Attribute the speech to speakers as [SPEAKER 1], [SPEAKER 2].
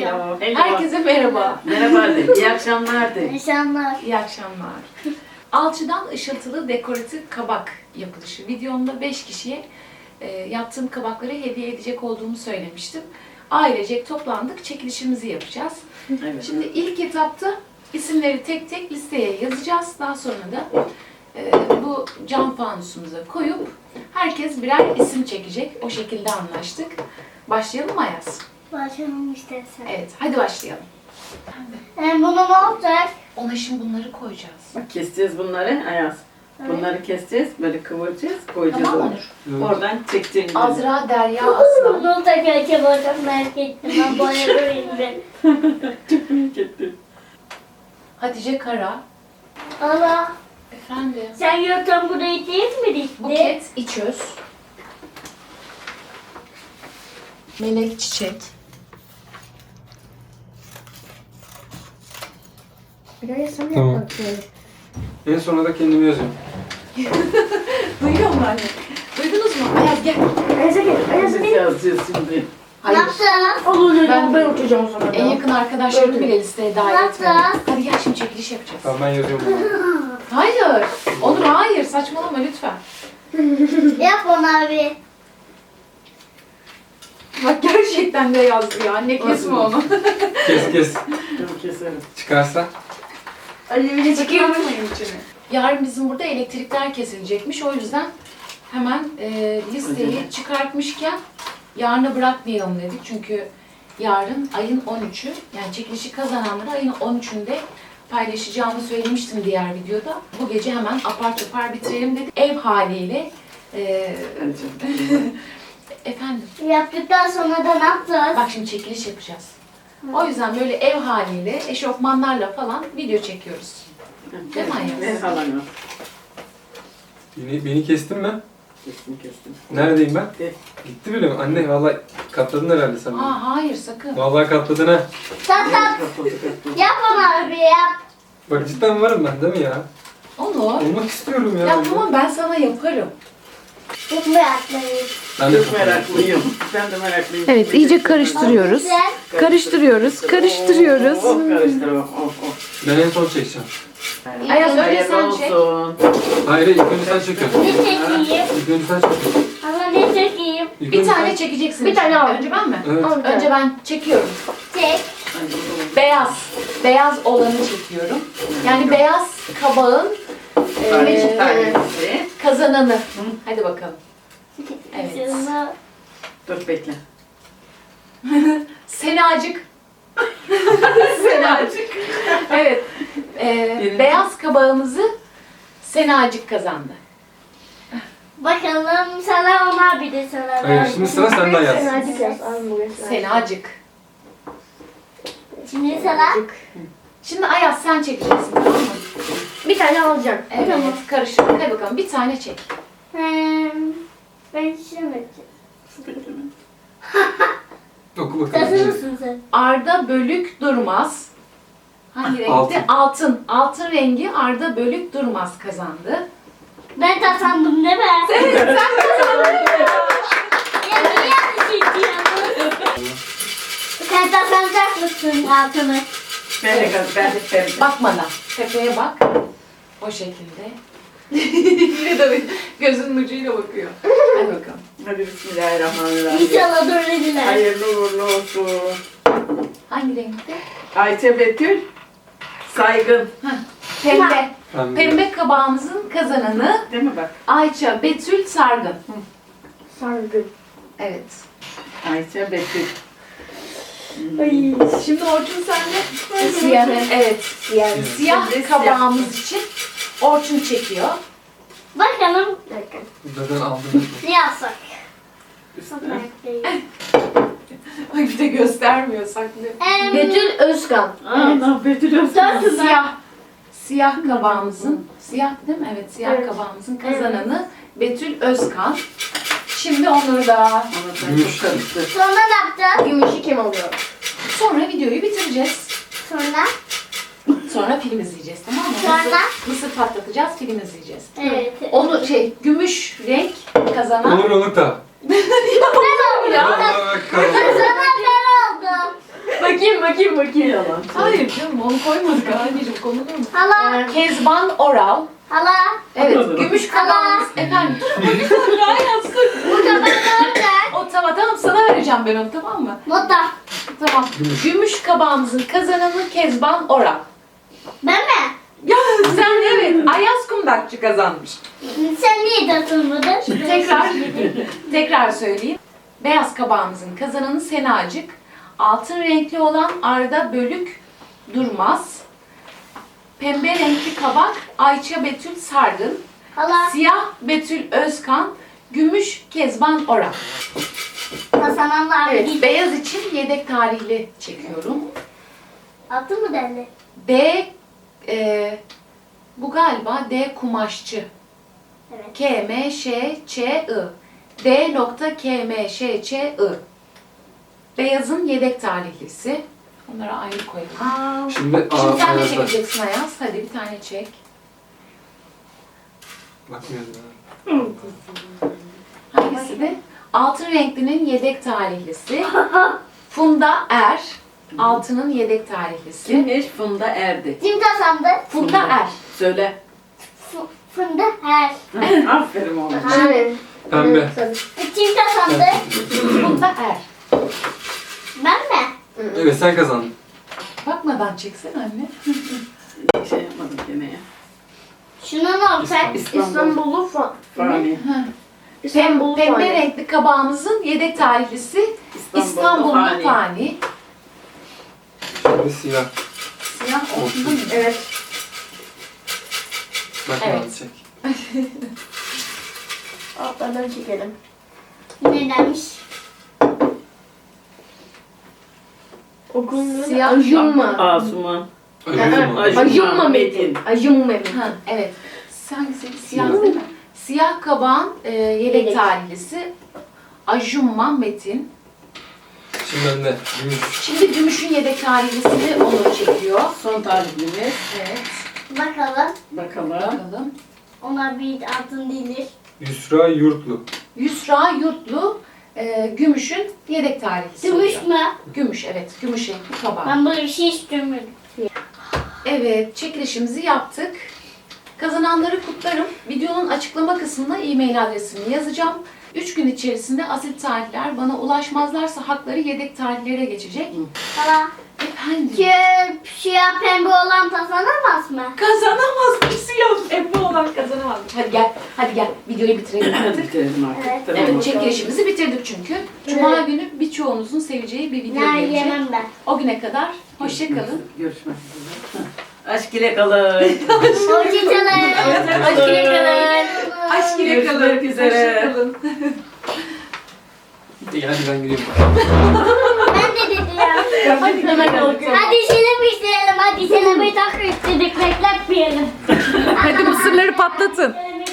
[SPEAKER 1] Hello.
[SPEAKER 2] Herkese merhaba.
[SPEAKER 1] Merhaba de. İyi akşamlar de.
[SPEAKER 3] İnşallah.
[SPEAKER 2] İyi akşamlar. Alçıdan ışıltılı dekoratif kabak yapılışı. Videomda 5 kişiye yaptığım kabakları hediye edecek olduğumu söylemiştim. Ailecek toplandık, çekilişimizi yapacağız.
[SPEAKER 1] Evet.
[SPEAKER 2] Şimdi ilk etapta isimleri tek tek listeye yazacağız. Daha sonra da bu cam fanusumuza koyup herkes birer isim çekecek. O şekilde anlaştık. Başlayalım mı Ayaz?
[SPEAKER 3] Başlayalım istersen.
[SPEAKER 2] Evet, hadi başlayalım.
[SPEAKER 3] Bunu ne olacak?
[SPEAKER 2] Ona şimdi bunları koyacağız.
[SPEAKER 1] Bak keseceğiz bunları Ayaz. Bunları keseceğiz, böyle kıvıracağız, koyacağız.
[SPEAKER 2] Tamam
[SPEAKER 1] oraya.
[SPEAKER 2] Onur.
[SPEAKER 1] Oradan çekeceğiz.
[SPEAKER 2] Azra, Derya, Aslan.
[SPEAKER 3] Ne olacak acaba? Çok merak ettim. Ben boyadırayım ben.
[SPEAKER 1] Çok büyük ettim.
[SPEAKER 2] Hatice Kara.
[SPEAKER 3] Allah.
[SPEAKER 2] Efendim.
[SPEAKER 3] Sen yoktan burayı değil mi dikti?
[SPEAKER 2] Buket İçöz. Melek Çiçek.
[SPEAKER 4] Tamam. En sona da kendimi yazıyorum.
[SPEAKER 2] Duyuyor mu anne? Duydunuz mu? Ayaz gel.
[SPEAKER 1] Biz yazacağız şimdi.
[SPEAKER 2] Hayır.
[SPEAKER 3] Nasıl?
[SPEAKER 2] Ben uçacağım sonra. En yakın arkadaşlarımı bile listeye dahil
[SPEAKER 3] Nasıl?
[SPEAKER 2] etmedim. Hadi gel şimdi çekiliş yapacağız.
[SPEAKER 4] Tamam ben yazıyorum bunu.
[SPEAKER 2] Hayır. Onur hayır. Saçmalama lütfen.
[SPEAKER 3] Yap onu abi.
[SPEAKER 2] Bak gerçekten de yazdı ya. Anne kesme onu.
[SPEAKER 4] Kes kes.
[SPEAKER 1] Dur keselim.
[SPEAKER 4] Çıkarsa.
[SPEAKER 2] Alevini çıkartmayın içine. Yarın bizim burada elektrikler kesilecekmiş. O yüzden hemen listeyi çıkartmışken yarına bırakmayalım dedik. Çünkü yarın ayın 13'ü, yani çekilişi kazananları ayın 13'ünde paylaşacağımı söylemiştim diğer videoda. Bu gece hemen apar topar bitirelim dedik. Ev haliyle
[SPEAKER 1] Hadi canım.
[SPEAKER 2] efendim
[SPEAKER 3] Yaptıktan sonra da ne yapacağız?
[SPEAKER 2] bak şimdi çekiliş yapacağız. O yüzden böyle ev haliyle eşofmanlarla falan video çekiyoruz. Değil mi Ayaz?
[SPEAKER 1] Ne falan o?
[SPEAKER 4] Beni kestin mi?
[SPEAKER 1] Kestim.
[SPEAKER 4] Neredeyim ben?
[SPEAKER 1] De.
[SPEAKER 4] Gitti bile mi? Anne vallahi katladın herhalde sen beni.
[SPEAKER 2] Aa hayır sakın.
[SPEAKER 4] Vallahi katladın ha.
[SPEAKER 3] Tat tat. Yap onu abi yap.
[SPEAKER 4] Bak cidden varım ben değil mi ya?
[SPEAKER 2] Onur.
[SPEAKER 4] Olmak istiyorum ya.
[SPEAKER 2] Ya tamam ben sana yaparım.
[SPEAKER 3] Çok meraklıyım.
[SPEAKER 4] Ben de
[SPEAKER 1] Çok
[SPEAKER 4] katladım.
[SPEAKER 1] meraklıyım. Ben de meraklıyım.
[SPEAKER 2] Evet iyice karıştırıyoruz.
[SPEAKER 3] Güzel.
[SPEAKER 2] Karıştırıyoruz, karıştırıyoruz.
[SPEAKER 1] Oh, karıştır. Oh.
[SPEAKER 4] Ben en son çekeceğim.
[SPEAKER 2] Ayaz önce
[SPEAKER 1] Hayırlı
[SPEAKER 2] sen çek.
[SPEAKER 1] olsun.
[SPEAKER 4] Hayır ilk önce sen çekiyorsun.
[SPEAKER 3] Ne çekeyim?
[SPEAKER 4] İlk önce sen çekiyorsun.
[SPEAKER 3] Ama ne çekeyim?
[SPEAKER 4] İlk
[SPEAKER 2] Bir
[SPEAKER 4] önce
[SPEAKER 2] tane
[SPEAKER 4] sen-
[SPEAKER 2] çekeceksin.
[SPEAKER 3] Bir tane al.
[SPEAKER 2] Önce ben mi?
[SPEAKER 4] Evet.
[SPEAKER 2] Önce ben çekiyorum.
[SPEAKER 3] Çek.
[SPEAKER 2] Beyaz. Beyaz olanı çekiyorum. Yani beyaz kabağın
[SPEAKER 1] Tanesi tanesi.
[SPEAKER 2] kazananı. Hadi bakalım. Evet.
[SPEAKER 3] Şunu-
[SPEAKER 1] Dur bekle.
[SPEAKER 2] Senacık. Senacık. Evet. Beyaz kabağımızı Senacık kazandı.
[SPEAKER 3] Bakalım sana ona bir de sana.
[SPEAKER 4] Hayır şimdi sıra sende yaz.
[SPEAKER 2] Senacık.
[SPEAKER 3] Şimdi sana.
[SPEAKER 2] Şimdi Ayaz sen çekeceksin tamam mı?
[SPEAKER 3] Bir tane alacağım.
[SPEAKER 2] Evet. Karıştır. Hadi bakalım bir tane çek.
[SPEAKER 3] Ben şimdi.
[SPEAKER 4] Oku bakalım.
[SPEAKER 3] Hazır mısın sen?
[SPEAKER 2] Arda Bölük Durmaz. Hangi renkti?
[SPEAKER 4] Altın.
[SPEAKER 2] Altın. Altın rengi Arda Bölük Durmaz kazandı.
[SPEAKER 3] Ben kazandım değil mi?
[SPEAKER 2] Evet sen kazandın.
[SPEAKER 3] Ya niye yanlış ediyorsun? Sen kazanacak mısın altını?
[SPEAKER 1] Ben de sevdim.
[SPEAKER 2] Bak bana. Tepeye bak. O şekilde. Yine de gözünün ucuyla bakıyor. Hadi bakalım.
[SPEAKER 1] Hadi bismillahirrahmanirrahim.
[SPEAKER 3] İnşallah doğru
[SPEAKER 1] Hayırlı uğurlu olsun.
[SPEAKER 2] Hangi renkti?
[SPEAKER 1] Ayça Betül Saygın.
[SPEAKER 2] Pembe.
[SPEAKER 4] Tamam.
[SPEAKER 2] Pembe kabağımızın kazananı
[SPEAKER 1] Değil mi bak?
[SPEAKER 2] Ayça Betül Sargın.
[SPEAKER 3] Sargın.
[SPEAKER 2] Evet.
[SPEAKER 1] Ayça Betül.
[SPEAKER 2] Şimdi Orçun sende. Siyah. Evet. Siyah
[SPEAKER 1] Şimdi
[SPEAKER 2] kabağımız için Orçun çekiyor.
[SPEAKER 3] Bakalım.
[SPEAKER 4] Zaten aldım.
[SPEAKER 3] Ne yapsak?
[SPEAKER 1] Üstüne.
[SPEAKER 2] Ay bir de göstermiyor saklıyor.
[SPEAKER 3] Betül Özkan.
[SPEAKER 1] Aa, Betül Özkan.
[SPEAKER 2] Siyah. Siyah kabağımızın, siyah değil mi? Evet, siyah kabağımızın kazananı Betül Özkan. Şimdi onları da
[SPEAKER 1] Ama sen çok karıştı.
[SPEAKER 3] Sonra ne yapacağız?
[SPEAKER 5] Gümüşü kim alıyor?
[SPEAKER 2] sonra videoyu bitireceğiz.
[SPEAKER 3] Sonra?
[SPEAKER 2] Sonra film izleyeceğiz tamam mı?
[SPEAKER 3] Sonra?
[SPEAKER 2] Mısır patlatacağız, film izleyeceğiz.
[SPEAKER 3] Evet.
[SPEAKER 2] Onu gümüş renk kazanan.
[SPEAKER 4] Olur da.
[SPEAKER 3] Ben oldum.
[SPEAKER 4] Vallahi bakalım.
[SPEAKER 3] Sonra ben oldum. Bakayım.
[SPEAKER 1] Yalan.
[SPEAKER 2] Hayır canım onu koymadık anneciğim, konulur mu?
[SPEAKER 3] Hala.
[SPEAKER 2] Kezban Oral.
[SPEAKER 3] Hala.
[SPEAKER 2] Evet, gümüş kabağımız. Efendim,
[SPEAKER 3] Bu kapak nerede?
[SPEAKER 2] o tamam sana vereceğim ben onu, tamam mı?
[SPEAKER 3] Moda.
[SPEAKER 2] Tamam. Gümüş kabağımızın kazananı Kezban Oral.
[SPEAKER 3] Ben mi?
[SPEAKER 2] Ya sen evet, Ayaz Kundakçı kazanmış.
[SPEAKER 3] Sen niye datılmadın?
[SPEAKER 2] Tekrar söyleyeyim. Beyaz kabağımızın kazananı Senacık. Altın renkli olan Arda Bölük Durmaz. Pembe renkli kabak Ayça Betül Sargın.
[SPEAKER 3] Hala.
[SPEAKER 2] Siyah Betül Özkan. Gümüş Kezban Oral.
[SPEAKER 3] Kazananlar
[SPEAKER 2] Evet,
[SPEAKER 3] gitti.
[SPEAKER 2] beyaz için yedek tarihli çekiyorum.
[SPEAKER 3] Attın mı derdi?
[SPEAKER 2] D, bu galiba D kumaşçı.
[SPEAKER 3] Evet.
[SPEAKER 2] KMŞÇI. D.KMŞÇI. Beyazın yedek tarihlisi. Onları ayrı koyalım.
[SPEAKER 5] Şimdi
[SPEAKER 2] Şimdi sen de
[SPEAKER 5] Ayaz'da.
[SPEAKER 2] çekeceksin Ayaz. Hadi bir tane çek.
[SPEAKER 5] Bakmıyorum ya.
[SPEAKER 2] Hangisi de? Altın renklinin yedek tarihlisi. Funda Er. Altının yedek tarihlisi.
[SPEAKER 1] Kimmiş? Funda Erdi.
[SPEAKER 3] Kim kazandı?
[SPEAKER 2] Funda Er.
[SPEAKER 1] Söyle.
[SPEAKER 3] Funda her.
[SPEAKER 1] Aferin oğlum.
[SPEAKER 3] Evet.
[SPEAKER 5] Pembe.
[SPEAKER 3] Kim kazandı?
[SPEAKER 2] Funda Er.
[SPEAKER 3] Ben mi?
[SPEAKER 5] Evet sen kazandın.
[SPEAKER 2] Bakmadan çeksene anne.
[SPEAKER 1] Şey yapmadım gene ya.
[SPEAKER 3] Şuna ne olacak?
[SPEAKER 1] İstanbul'u Fani.
[SPEAKER 2] Pembe renkli kabağımızın yedek tarihlisi İstanbul'lu
[SPEAKER 1] Fani.
[SPEAKER 2] Fani.
[SPEAKER 5] Şimdi siyah.
[SPEAKER 2] Siyah olsun değil mi?
[SPEAKER 3] Evet.
[SPEAKER 5] Bakmadan
[SPEAKER 2] Evet.
[SPEAKER 5] çek.
[SPEAKER 3] Altlardan çekelim. Nedenmiş?
[SPEAKER 2] Siyah
[SPEAKER 1] Asuman.
[SPEAKER 5] Acıma.
[SPEAKER 1] Metin.
[SPEAKER 2] Ha, evet. Hangisi? Siyah değil mi? Siyah kabağın yedek tarihlisi Ajumma Metin.
[SPEAKER 5] Şimdi bende. Gümüş.
[SPEAKER 2] Şimdi gümüşün yedek tarihlisini Onur çekiyor.
[SPEAKER 1] Son tarihlimiz.
[SPEAKER 2] Evet.
[SPEAKER 3] Bakalım.
[SPEAKER 1] Bakalım.
[SPEAKER 2] Bakalım.
[SPEAKER 3] Onlar bir altın değildir.
[SPEAKER 5] Yusra Yurtlu.
[SPEAKER 2] Yusra Yurtlu gümüşün yedek tarihlisi.
[SPEAKER 3] Gümüş
[SPEAKER 2] oluyor.
[SPEAKER 3] mü?
[SPEAKER 2] Gümüş, evet. Gümüş renkli kabağı.
[SPEAKER 3] Ben böyle bir şey istiyorum.
[SPEAKER 2] Evet, çekilişimizi yaptık. Kazananları kutlarım. Videonun açıklama kısmına e-mail adresimi yazacağım. 3 gün içerisinde asil tarihler bana ulaşmazlarsa hakları yedek tarihlere geçecek.
[SPEAKER 3] Hala.
[SPEAKER 2] Efendim?
[SPEAKER 3] Siyah pembe olan kazanamaz mı?
[SPEAKER 2] Kazanamaz mı? Siyah pembe olan kazanamaz mı? Hadi gel. Videoyu bitirelim artık.
[SPEAKER 1] Bitirelim artık.
[SPEAKER 3] Evet.
[SPEAKER 1] Tamam.
[SPEAKER 2] Evet, çekilişimizi bitirdik çünkü. Cuma günü birçoğunuzun seveceği bir video
[SPEAKER 3] Ner
[SPEAKER 2] gelecek.
[SPEAKER 3] yemem ben.
[SPEAKER 2] O güne kadar hoşça kalın.
[SPEAKER 1] Görüşmek üzere. Aşk ile kalın.
[SPEAKER 3] Hoşçakalın. Hoşçakalın.
[SPEAKER 2] Aşk ile kalın.
[SPEAKER 1] Görüşmek üzere.
[SPEAKER 2] Hoşça kalın.
[SPEAKER 5] İyi hadi ben gidiyorum.
[SPEAKER 3] Ben de dedim ya.
[SPEAKER 2] Hadi hemen kalkalım.
[SPEAKER 3] Hadi sinema isteyelim. Hadi sinemayı takip ettirdik. Bekletmeyelim.
[SPEAKER 2] Hadi mısırları patlatın.
[SPEAKER 3] Sinemayı